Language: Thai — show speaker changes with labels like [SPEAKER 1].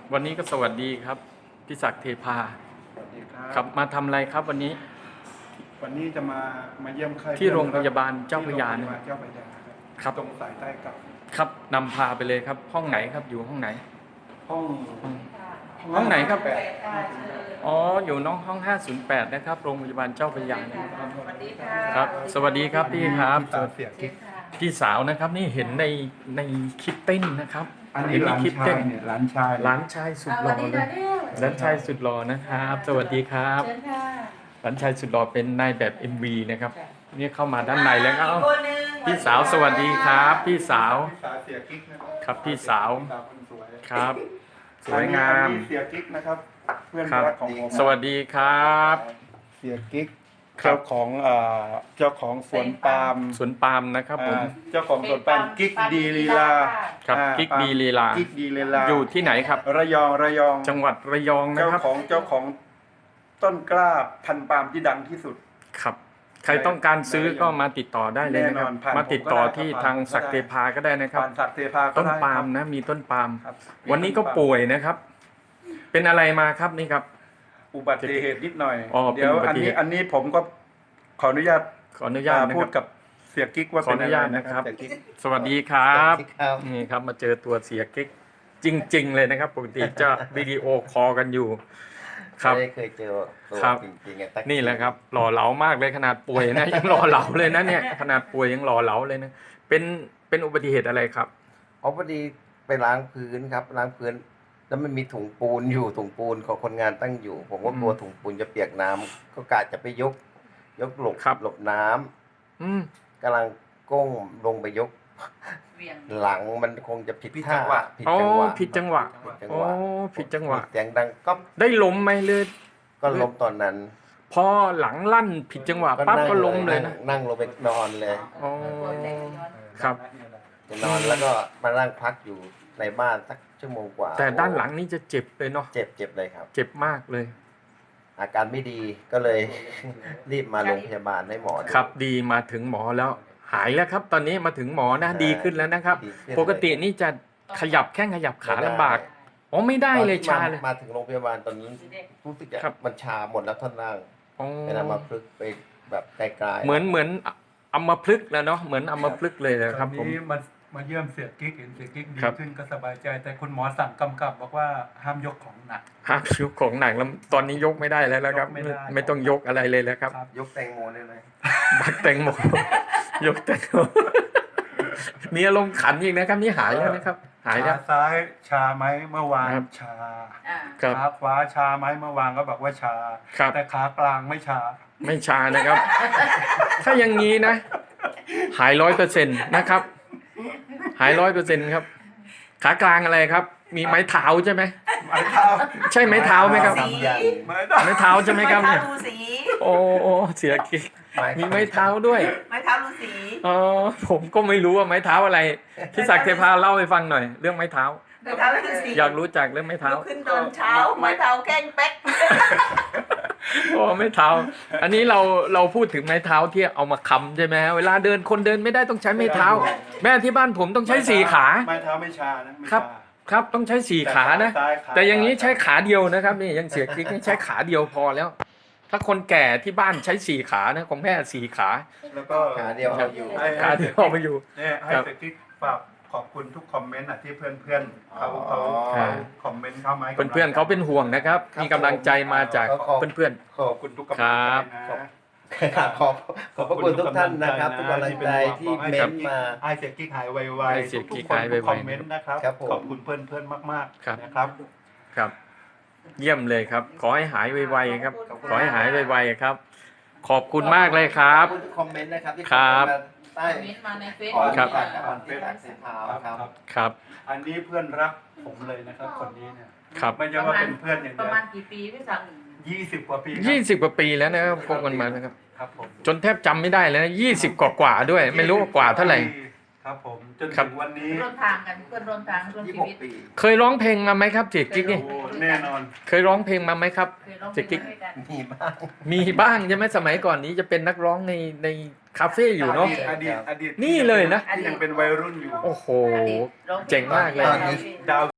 [SPEAKER 1] วันนี้ก็สวัสดีครับพี่ศักดิ์เทพา
[SPEAKER 2] สวัสดีครับ
[SPEAKER 1] ครับมาทำอะไรครับวันนี้
[SPEAKER 2] จะมาเยี่ยมไข้
[SPEAKER 1] ที่โรงพยาบาลเจ้าพระยา
[SPEAKER 2] ครับตรงสายใต้กับ
[SPEAKER 1] ครับนำพาไปเลยครับห้องไหนครับอยู่ห้องไหน
[SPEAKER 2] ห้อง
[SPEAKER 1] ไหนครับอ๋ออยู่น้องห้อง508นะครับโรงพยาบาลเจ้าพระยาครับสวัสดีครับพี่ครับพี่สาวนะครับนี่เห็นในคลิปเต้นนะครับ
[SPEAKER 2] อันนี้หลานชายเนี่ยหลานชาย
[SPEAKER 1] สุดหล่อเลยหลานชายสุดหล่อนะครับสวัสดีครับหลานชายสุดหล่อเป็นนายแบบ MV นะครับนี่เข้ามาด้านในแล้วครับพี่สาวสวัสดีครับพี่สาว
[SPEAKER 2] เสียกิ๊ก
[SPEAKER 1] ครับพี่สาวครับสวยงาม
[SPEAKER 2] เสียกิ๊กนะครับเพื่อนรักของผม
[SPEAKER 1] สวัสดีครับ
[SPEAKER 2] เสียกิ๊กเจ้าของสวนปาล์
[SPEAKER 1] มนะครับผม
[SPEAKER 2] เจ้าของสวนปาล์มกิ๊กดีลีลา
[SPEAKER 1] ครับกิ๊กดีลีลาอยู่ที่ไหนครับ
[SPEAKER 2] ระยอง
[SPEAKER 1] จังหวัดระยองนะครับ
[SPEAKER 2] เจ้าของต้นกล้าพันธุ์ปาล์มที่ดังที่สุด
[SPEAKER 1] ครับใครต้องการซื้อก็มาติดต่อได้เลยนะครับมาติดต่อที่ทางศักดิ์เทพาก็ได้นะครับต้นปาล์มนะมีต้นปาล์มวันนี้ก็ป่วยนะครับเป็นอะไรมาครับนี่ครับ
[SPEAKER 2] อุบัติเหตุนิดหน่อยเดี๋ยวอันนี้ผมก็ขออนุญาตพูดกับเสียกิ๊กว่า
[SPEAKER 1] เป็นอะไรนะครับสวัสดีครับนี่ครับมาเจอตัวเสียกิ๊กจริงๆเลยนะครับปกติจะวิดีโอคอลกันอยู่ครับ
[SPEAKER 3] ไม่เคยเจอตัวจริง
[SPEAKER 1] ๆนี่แหละครับหล่อเหลามากเลยขนาดป่วยนะยังหล่อเหลาเลยนะเนี่ยขนาดป่วยยังหล่อเหลาเลยนะเป็นอุบัติเหตุอะไรครับ
[SPEAKER 3] พอดีไปล้างพื้นครับล้างพื้นแล้วมันมีถุงปูนอยู่ถุงปูนของคนงานตั้งอยู่ผมก็กลัวถุงปูนจะเปียกน้ำก็กะจะไปยกหลบน้ำกำลังก้มลงไปยกหลังมันคงจะผิดจังหวะ
[SPEAKER 1] ผิดจังหวะ
[SPEAKER 3] เสียงดังก็
[SPEAKER 1] ได้ล้มไหมเลย
[SPEAKER 3] ก็ล้มตอนนั้น
[SPEAKER 1] พอหลังลั่นผิดจังหวะปั๊บก็ล้มเลยนะ
[SPEAKER 3] นั่งลงไปนอนเลย
[SPEAKER 1] ครับ
[SPEAKER 3] นอนแล้วก็มานั่งพักอยู่ในบ้านสักชั่วโมงกว่า
[SPEAKER 1] แต่ด้านหลังนี่จะเจ็บเลยเนาะ
[SPEAKER 3] เจ็บเลยครับ
[SPEAKER 1] เจ็บมากเลย
[SPEAKER 3] อาการไม่ดีก็เลยรีบมาโรงพยาบาลให้หมอ
[SPEAKER 1] ครับดีมาถึงหมอแล้วหายแล้วครับตอนนี้มาถึงหมอนะดีขึ้นแล้วนะครับปกตินี่จะขยับแข้งขยับขาลำบากอ๋อไม่ได้เลยชาเลย
[SPEAKER 3] มาถึงโรงพยาบาลตอนนี้รู้สึกมันชาหมดแล้วท่อนล่างเป็นอัมพฤกษ์ไปแบบไกลๆ
[SPEAKER 1] เหมือนอัมพฤกษ์แล้วเนาะเหมือนอัมพฤกษ์เลยนะครับผม
[SPEAKER 2] มาเยี่ยมเสียกิ๊กเห็นเสียกิ๊กดีขึ้นก็สบายใจแต่คุณหมอสั่งกำกับบอกว่าห้ามยกของหนัก
[SPEAKER 1] แล้วตอนนี้ยกไม่ได้แล้วครับไม่ต้องยกอะไรเลยแล้วครับ
[SPEAKER 3] ยกแตงโมได้เลย
[SPEAKER 1] บักแตงโมยกแตงโมมีอารมณ์ขันอีกนะครับนี่หายแล้วนะครับหายแล้ว
[SPEAKER 2] ขาซ้ายชาไหมเมื่อวานชาขาขวาชาไหมเมื่อวานก็บอกว่าชาแต่ขากลางไม่ชา
[SPEAKER 1] นะครับถ้าอย่างนี้นะหาย 100% นะครับหาย 100% ครับขากลางอะไรครับมีไม้เท้าใช่ไหมใช่ไม้เท้าไหมครับไม้เท้าใช่ไหมครับเนี่ยโอ้เสียกิ๊กมีไม้เท้าด้วย
[SPEAKER 4] ไม้เท้าฤาษี
[SPEAKER 1] อ๋อผมก็ไม่รู้ว่าไม้เท้าอะไรพี่ศักดิ์เทพาเล่าให้ฟังหน่อยเรื่องไม้เท้าอยากรู้จักเรื่องไม้เท้า
[SPEAKER 4] ขึ้นตอนเช้าไม้เท้าแข้งเป๊ก
[SPEAKER 1] โอ้ไม้เท้าอันนี้เราพูดถึงไม้เท้าที่เอามาค้ำใช่ไหมเวลาคนเดินไม่ได้ต้องใช้ไม้เท้าแม่ที่บ้านผมต้องใช้4ขา
[SPEAKER 2] ไม้เท้าไม่ชานะครับ
[SPEAKER 1] ต้องใช้4ขานะแต่อย่างนี้ใช้ขาเดียวนะครับนี่ยังเสียกิ๊กใช้ขาเดียวพอแล้วถ้าคนแก่ที่บ้านใช้4ขานะของแม่4ขา
[SPEAKER 2] แล้วก็
[SPEAKER 3] ขาเดียว
[SPEAKER 1] อยู่
[SPEAKER 2] เนี่ยให้เสียกิ๊กฝากขอบคุณทุกคอมเมนต์ที่เพื่อนเขาคอมเมนต์เข้ามา
[SPEAKER 1] เพื่อนเขาเป็นห่วงนะครับมีกำลังใจมาจากเพื่อน
[SPEAKER 2] ขอบคุณทุกกำลังใจ
[SPEAKER 3] นะขอบคุณทุกท่านนะครับทุกกำลังใจที่เม้นมา
[SPEAKER 2] ให้เสียกิ๊กหายไวๆทุกคนคอมเมนต์นะครับขอบคุณเพื่อนมากๆนะครับ
[SPEAKER 1] ครับเยี่ยมเลยครับขอให้หายไวๆครับขอให้หายไวๆครับขอบคุณมากเลยครับ
[SPEAKER 3] คอมเมนต์นะครับที่
[SPEAKER 4] ใต้มาในเฟซ
[SPEAKER 1] ครับ
[SPEAKER 2] อันนี้เพื่อนรักผมเลยนะครับคนนี้เนี่ยไม่ใช่ว่าเป็นเพื่อนอย่างเดียว
[SPEAKER 4] ประมาณกี่ปีพี่ศักดิ์
[SPEAKER 2] 20 กว่าปี
[SPEAKER 1] 20 กว่าปีแล้วนะครับพบกันมานะครับจนแทบจำไม่ได้แล้วนะ20 กว่าด้วยไม่รู้กว่าเท่าไหร่
[SPEAKER 2] ครับผมจนถึงวันนี้
[SPEAKER 4] ร่วมทางกันเพื่อนร่วมทางร่วมชีวิต
[SPEAKER 1] เคยร้องเพลงมาไหมครับเจ๊กิ๊กนี่
[SPEAKER 2] แน่นอน
[SPEAKER 1] เคยร้องเพลงมาไหมครับเจ๊กิ๊กมีบ้างใช่ไหมสมัยก่อนนี้จะเป็นนักร้องในคาเฟ่อยู่เนาะ
[SPEAKER 2] อดีต
[SPEAKER 1] นี่เลยนะ
[SPEAKER 2] ยังเป็นวัยรุ่นอยู่
[SPEAKER 1] โอ้โหเจ๋งมากเลย